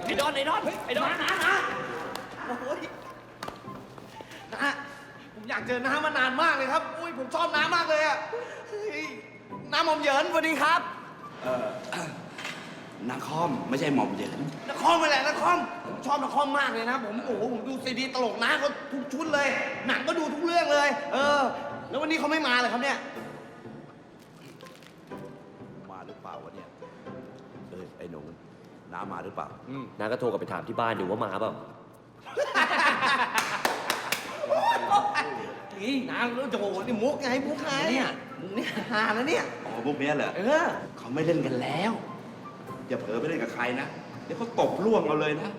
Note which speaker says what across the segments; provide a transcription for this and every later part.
Speaker 1: ไอ้ดอนนะโอ้ยนะผมอยากเจอน้ามานานมากเลยครับอุ้ยผมชอบน้ามากเลยอะน้าหม่อมเหยินสวัสดีครับ
Speaker 2: นักคอมไม่ใช่หม่อมเหยิน
Speaker 1: นครไปแหละนครผมชอบนครมากเลยนะผมโอ้โหผมดูซีดีตลกนะเขาทุกชุดเลย หนังก็ดูทุกเรื่องเลย แล้ววันนี้เขาไม่มาเลยครับเนี่ย
Speaker 2: มาหรือเปล่าวะเนี่ยไอ้หนูน้ามาหรือเปล่า
Speaker 3: น้าก็โทรกลับไปถามที่บ้านดูว่ามาเปล่า
Speaker 1: นี่นางรู้โจนี่มุกไงมุกไงเนี่ยมุกเนี่ยฮาแล้วเนี่ย
Speaker 2: อ๋อพวกเนี้ยเหรอ เขาไม่เล่นกันแล้ว อย่าเผลอไปเล่นกับใครนะ เดี๋ยวเขาตบล่วงเอาเลยนะ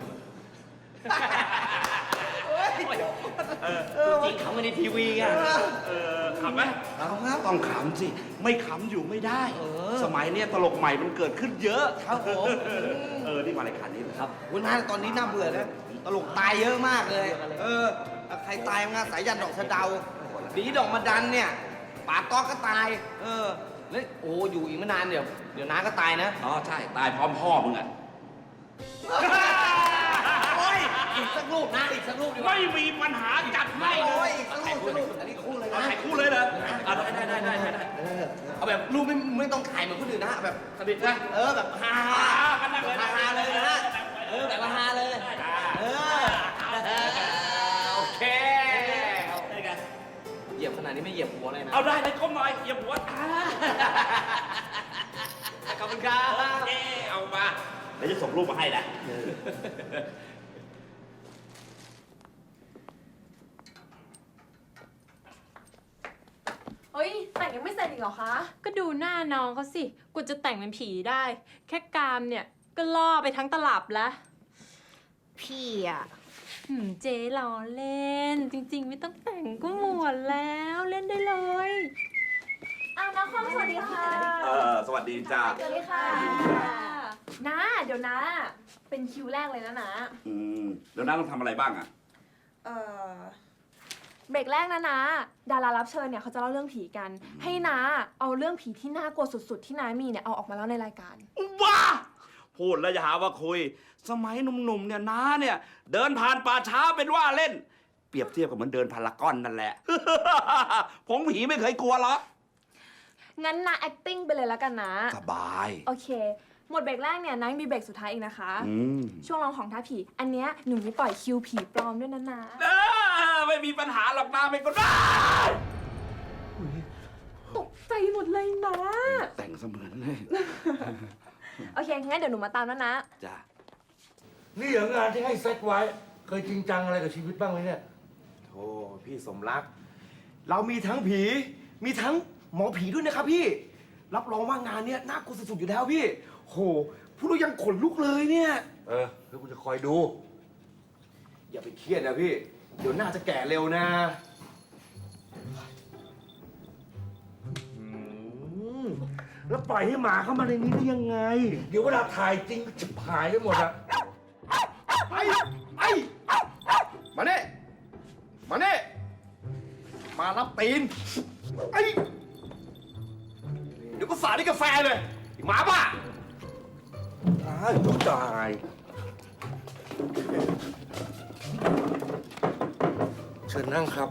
Speaker 3: จริงเขาไม่ในทีวีไง
Speaker 2: ขำไหมต้องขำสิ ไม่ขำอยู่ไม่ได้ สมัยเนี้ยตลกใหม่มันเกิดขึ้นเยอะ
Speaker 1: ครับผม
Speaker 2: นี่มารายการนี้เหรอครับ
Speaker 1: คุณน้าตอนนี้น่าเบื่อนะตลกตายเยอะมากเลย ใครตายงานสายยันดอกสะเดาดีดอกมาดันเนี่ยป่าต๊อกก็ตาย แล้วโอ้อยู่อีกไม่นานเดี๋ยวน้าก็ตายนะ
Speaker 2: อ๋อใช่ ตายพร้อมพ่อมึงอ่ะ
Speaker 1: โอ้ยอีกสักรูปนะอีกสักรูปดีกว่า
Speaker 2: ไม่มีปัญหาจัดให้เล
Speaker 1: โอ้ย
Speaker 2: ย
Speaker 1: อีกสักรูปอันนี้คู่เลยนะ
Speaker 2: ถ่ายคู่เลยเหรอได้
Speaker 1: เอาแบบรูปไม่ต้องถ่ายเหมือนคนอื่นนะแบบ
Speaker 2: สนิทนะ
Speaker 1: แบบฮา
Speaker 2: กันนั่งเลย
Speaker 1: ฮาเลยนะแบบฮาเลยโอเคเหยียบขนาดนี้ไม่เหยียบหัวเลยนะ
Speaker 2: เอาได้เลยก้มหน่อยอย่าหัว
Speaker 1: ขอบคุณครับ
Speaker 2: โอเคเอามาเดี๋ยวจะส่งรูปมาให้นะ
Speaker 4: เฮ้ย แต่งยังไม่เสร็จอีกเหรอคะ
Speaker 5: ก็ดูหน้าน้องเขาสิกูจะแต่งเป็นผีได้ แค่กามเนี่ย ก็ล่อไปทั้งตลับแล้ว
Speaker 4: พี่อะ
Speaker 5: เจ๊ล้อเล่น จริง ๆ ไม่ต้องแต่งก็หมดแล้วเล่นได้เลย
Speaker 4: อ้าวน้องคอมสวัสดีค่ะ
Speaker 2: สวัสดีจ้า
Speaker 4: สวัสดีค่ะน้าเดี๋ยวนะ เป็นคิวแรกเลยนะนะ
Speaker 2: แล้วน้าต้องทำอะไรบ้างอ่ะ
Speaker 4: เบรกแรกนะนะดารารับเชิญเนี่ยเขาจะเล่าเรื่องผีกัน ให้น้าเอาเรื่องผีที่น่ากลัวสุดๆ ที่น้ามีเนี่ยเอาออกมาเล่าในรายการ
Speaker 2: ว้าพูดแล้วอย่าหาว่าคุย สมัยหนุ่มๆเนี่ยน้าเนี่ย เดินผ่านป่าช้าเป็นว่าเล่น เปรียบเทียบกับเหมือนเดินพารากอนนั่นแหละ ผมผีไม่เคยกลัวหรอก
Speaker 4: งั้นน้า acting ไปเลยแล้วกันนะ
Speaker 2: สบาย
Speaker 4: โอเค หมดเบรกแรกเนี่ยน้ายังมีเบรกสุดท้ายอีกนะคะ
Speaker 2: อืม
Speaker 4: ช่วงลองของท้าผี อันเนี้ยหนูมีปล่อยคิวผีปลอมด้วยนะนะ
Speaker 2: ไม่มีปัญหาหรอกน้าเป็นคนบ้า
Speaker 4: ตกใจหมดเลยนะ
Speaker 2: แต่งเสมือนเลย
Speaker 4: โอเค งั้นเดี๋ยวหนูมาตามแล้วนะ
Speaker 2: จ้า
Speaker 6: นี่เหรองานที่ให้เซตไว้ เคยจริงจังอะไรกับชีวิตบ้างไหมเนี่ยโธ่พี่สมรัก เรามีทั้งผี มีทั้งหมอผีด้วยนะครับพี่ รับรองว่างานเนี้ยน่ากลัวสุดๆอยู่แล้วพี่ โหพูดแล้วยังขนลุกเลยเนี่ย แล้วกูจะคอยดู อย่าไปเครียดนะพี่ เดี๋ยวหน้าจะแก่เร็วนะแล้วปล่อยให้หมาเข้ามาในนี้ได้ยังไง เดี๋ยวเวลาถ่ายจริงจะหายไปหมดอะ
Speaker 1: มาเน่มารับตีนเดี๋ยวก็สาดในกาแฟเลยหมาบ้า
Speaker 6: ตายต้องตาย เชิญนั่งครับ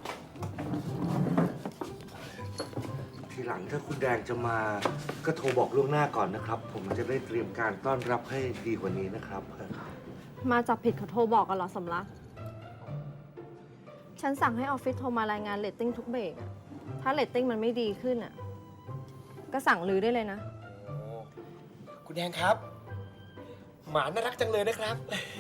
Speaker 6: ทีหลังถ้าคุณแดงจะมา ก็โทรบอกล่วงหน้าก่อนนะครับ ผมจะได้เตรียมการต้อนรับให้ดีกว่านี้นะครับ
Speaker 7: มาจับผิดเขาโทรบอกกันเหรอสำลัก ฉันสั่งให้ออฟฟิศโทรมารายงานเรตติ้งทุกเบรกอะถ้าเรตติ้งมันไม่ดีขึ้นอะก็สั่งลือได้เลยนะ
Speaker 6: คุณแดงครับ หมาน่ารักจังเลยนะครับ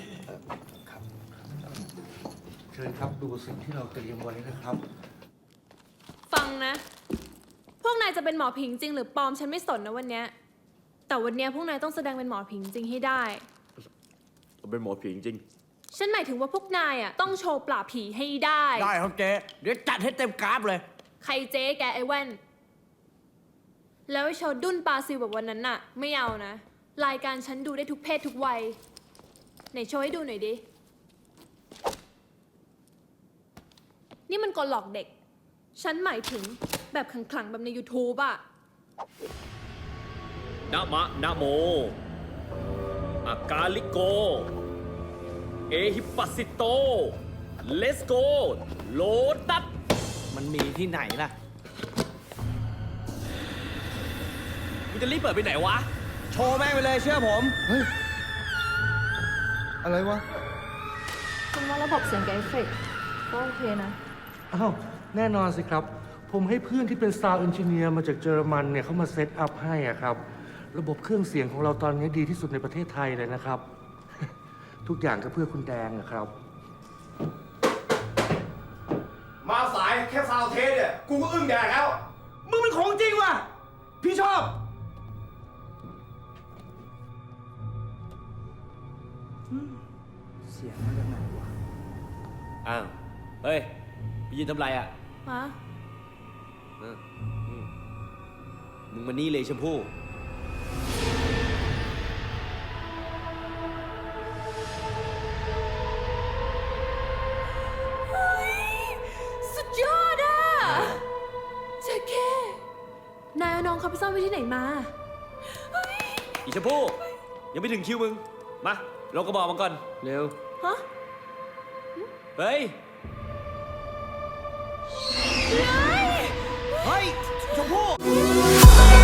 Speaker 6: เชิญครับดูสิ่งที่เราเตรียมไว้นะครับ
Speaker 5: ฟังนะ พวกนายจะเป็นหมอผีจริงหรือปลอมฉันไม่สนนะวันเนี้ยแต่วันเนี้ยพวกนายต้องแสดงเป็นหมอผีจริงให้ได้
Speaker 3: เป็นหมอผีจริง
Speaker 5: ฉันหมายถึงว่าพวกนายอ่ะต้องโชว์ปราบผีให้ได้
Speaker 1: ได้ครับเจ๊เดี๋ยวจัดให้เต็มกราฟเลย
Speaker 5: ใครเจ๊แกไอ้แว่น แล้วไอ้โชว์ดุ้นปลาซิลแบบวันนั้นน่ะ ไม่เอานะ รายการฉันดูได้ทุกเพศทุกวัย ไหนโชว์ให้ดูหน่อยดิ นี่มันกลหลอกเด็ก ฉันหมายถึงแบบขลังๆแบบใน YouTube อะ
Speaker 3: นะมะนะโม
Speaker 8: อากาลิโก เอฮิปัสซิโต เลสโก โลตัส
Speaker 1: มันมีที่ไหนล่ะ
Speaker 8: มึงจะรีบเปิดไปไหนวะ
Speaker 1: โชว์แม่งไปเลยเชื่อผม
Speaker 6: อะไรวะ
Speaker 7: คุณว่าระบบเสียงกับเอฟเฟกต์ก็โอเคนะ
Speaker 6: อ้าว แน่นอนสิครับ ผมให้เพื่อนที่เป็น Sound Engineer มาจากเยอรมันเนี่ยเขามาเซตอัพให้อะครับ ระบบเครื่องเสียงของเราตอนนี้ดีที่สุดในประเทศไทยเลยนะครับ ทุกอย่างก็เพื่อคุณแดงนะครับ
Speaker 9: มาสายแค่ซาวเทสเนี่ย กูก็อึ้งแดกแล้ว
Speaker 6: มึงเป็นของจริงว่ะ พี่ชอบ
Speaker 1: เสียงมาจากไหนวะ
Speaker 3: อ้าว เฮ้ยไปยืนทำไรอ่ะ
Speaker 5: ฮะ
Speaker 3: มึงมานี่เลยชมพู่
Speaker 5: สุดยอดอ่ะเจ๊แค่นายเอาน้องเขาไปซ่อนไว้ที่ไหนมา
Speaker 3: อีชมพู่ ยังไม่ถึงคิวมึง มาลงกระบอกมาก่อน เร็ว
Speaker 5: ฮะ
Speaker 3: เฮ้ย
Speaker 1: เฮ้ย ชมพู่